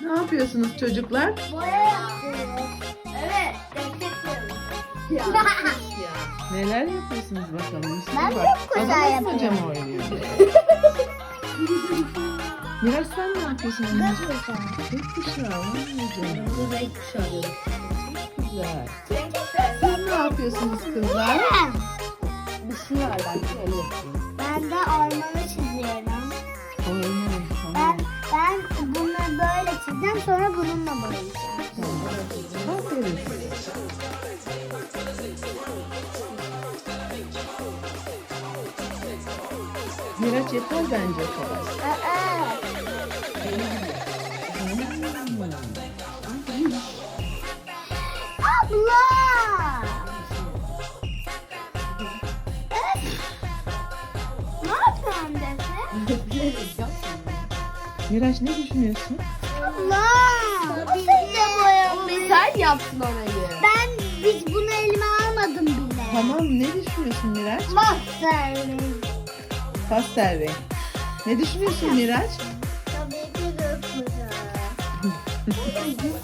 Ne yapıyorsunuz çocuklar? Boya yapıyoruz. Evet. Destekliyoruz. Neler yapıyorsunuz bakalım? Üstüne Ben bak. gökkuşağı Babası mı yapıyorum. cam oynuyor? Miraç sen ne yapıyorsun anneciğim? Gökkuşağı. Anneciğim. Bu renk kuşağı diyorum. Güzel. Siz ne yapıyorsunuz kızlar? Bir şey var belki öyle yapayım. Ben de ormanı çiziyorum. Oynuyor. Ben, Tamam. ben bunu böyle çizeceğim, sonra bununla boyayacağım. Tamam. Aferin. Miraç yeter bence o kadar. Aa, abla! Ne yapıyorsun Defne? Miraç ne düşünüyorsun? Abla! Biz de boyamayız. Sen yaptın orayı. Biz bunu elime almadım bile. Tamam ne düşünüyorsun Miraç? Mahzerli. Pastel renk. Ne düşünüyorsun Miraç? Tabii ki de güzel.